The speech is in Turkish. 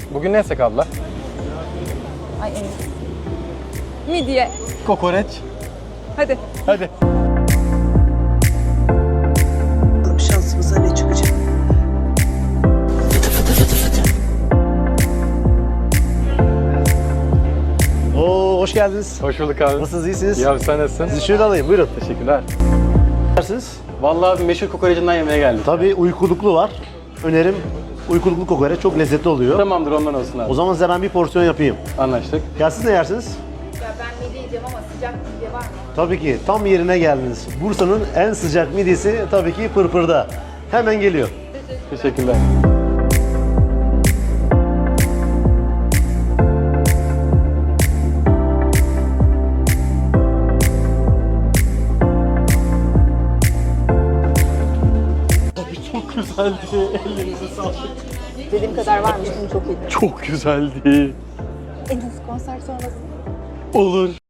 Bugün ne yesek abla? Ay evet. Midye. Kokoreç. Hadi. Hadi. Şansımıza ne çıkacak? Fıtı fıtı fıtı fıtı. Oo, hoş geldiniz. Hoş bulduk abi. Nasılsınız, iyisiniz? Ya sen nasılsın? Sizi şöyle alayım, buyurun. Teşekkürler. Dersiniz. Vallahi abi meşhur kokorecinden yemeğe geldik. Tabii uykuluklu var. Önerim uykuluklu kokoreç, çok lezzetli oluyor. Tamamdır, ondan olsun abi. O zaman size ben bir porsiyon yapayım. Anlaştık. Ya siz ne yersiniz? Ya ben midye yiyeceğim ama sıcak midye var mı? Tabii ki tam yerine geldiniz. Bursa'nın en sıcak midyesi tabii ki Pırpır'da. Hemen geliyor. Teşekkürler. Çok güzeldi. Ellerinize sağlık. Dediğim kadar varmış, bunu çok iyiydi. Çok güzeldi. En hızlı konser sonrası. Olur.